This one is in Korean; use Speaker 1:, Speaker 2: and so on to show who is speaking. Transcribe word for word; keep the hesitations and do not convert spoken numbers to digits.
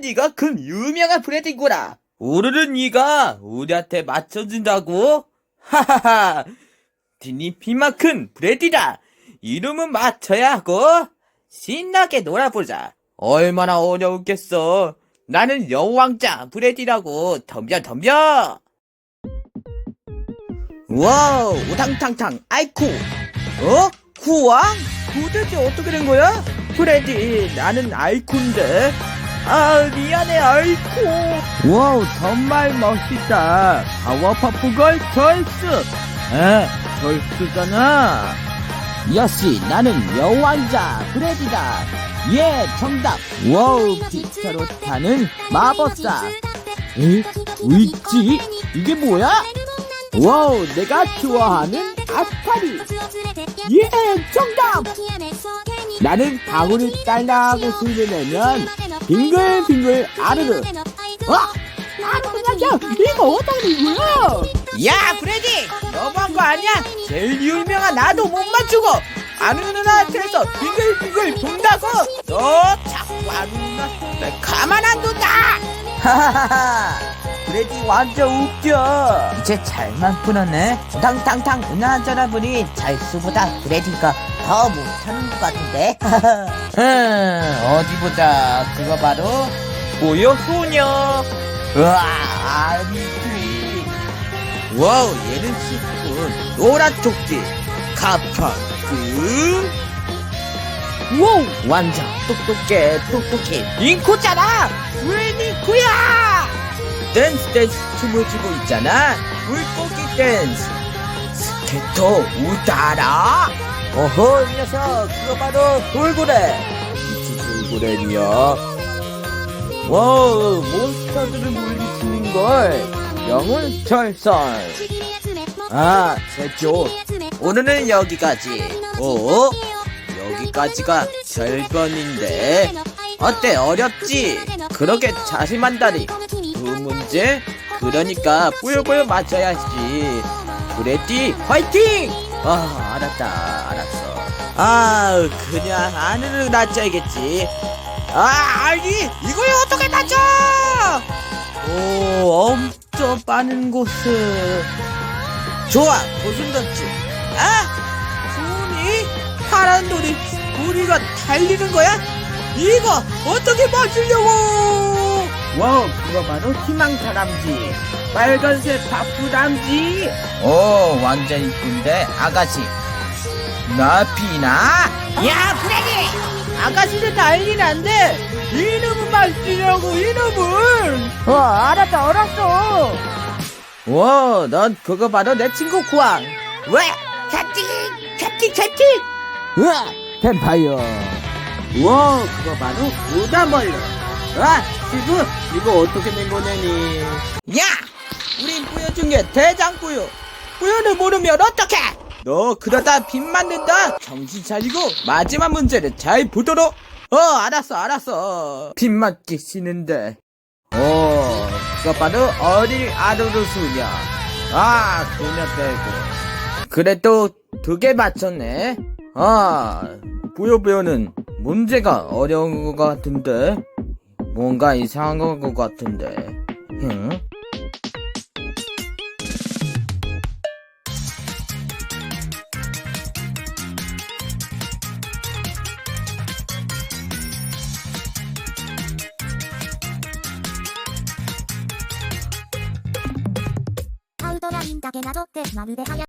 Speaker 1: 네가 그 유명한 브레드구나. 오늘은 네가 우리한테 맞춰준다고? 하하하. 디니 피만큼 브레디다. 이름은 맞춰야 하고 신나게 놀아보자. 얼마나 어려웠겠어. 나는 여왕자 브레디라고. 덤벼 덤벼. 와우, 우당탕탕 아이쿠. 어? 쿠왕? 도대체 어떻게 된 거야? 브레디, 나는 아이쿠인데. 아, 미안해 아이쿠. 와우, 정말 멋있다. 파워퍼프걸 절스. 에, 절스잖아. 역시 나는 여왕자 브레디다. 예, 정답. 와우, 기차로 타는 마법사. 에? 왜있지? 이게 뭐야? 와우, 내가 좋아하는 아스파리. 예, 정답. 나는 방울을 딸라고 소리를 내면 빙글빙글 아르르. 어? 아르르야, 이거 어떻게 된 거야? 야, 브레디, 너무한 거 아니야? 제일 유명한 나도 못 맞추고 아는 누나한테서 빙글빙글 돈다고. 너 자꾸 아는 누나 가만 안 둔다. 하하하하, 브레디 완전 웃겨. 이제 잘만 풀었네. 탕탕탕 누나한테나 보니 잘수보다 브레디가 더 못하는 것 같은데. 음, 어디 보자. 그거 바로 고요 소녀. 우와, 아미트리. 와우, 얘는 시군 노란 조끼 카파크. 와우, 완전 똑똑해 똑똑해. 잉코잖아. 왜 잉코야? 댄스 댄스 춤을 추고 있잖아. 물고기 댄스. 스케터 우다라. 어허, 이 녀석, 그거 바로 돌고래. 미치 돌고래냐. 와우, 몬스터들을 물리치는걸. 영혼 철설. 아, 제조. 오늘은 여기까지. 오, 여기까지가 절반인데. 어때, 어렵지? 그렇게 자신만다리. 두 문제? 그러니까 뿌요뿌요 맞춰야지. 브레디 화이팅! 아, 알았다, 알았어. 아, 그냥 안으로 낮춰야겠지. 아, 아니, 이걸 어떻게 낮춰? 오, 엄청 빠른 곳을. 좋아, 고슴도치. 아, 손이 파란 돌이 우리가 달리는 거야? 이거 어떻게 맞추려고? 와우, 그거 바로 희망다람쥐. 빨간색 바쁘람쥐. 오, 완전 이쁜데 아가씨. 나피나? 야, 브레디! 아가씨는 난리는 안 돼. 이놈은 맞추려고, 이놈은. 어, 알았다, 알았어. 와, 넌 그거 바로 내 친구 구왕. 왜? 캡틴, 캡틴, 캡틴. 우와, 뱀파이어. 와, 그거 바로 우다멀로. 아, 시구, 이거 어떻게 된 거냐니. 야, 우린 뿌요 중에 대장 뿌요. 뿌요를 모르면 어떡해? 너 그러다 빚 맞는다. 정신 차리고 마지막 문제를 잘 보도록. 어, 알았어, 알았어. 빚 맞기 싫은데. 오, 그거 바로 어릴 아루루 수녀. 아, 소녀 빼고. 그래도 두 개 맞췄네. 아, 뿌요뿌요는 문제가 어려운 것 같은데. 뭔가 이상한 것 같은데. 응?
Speaker 2: アウトラインだけなぞってまるではや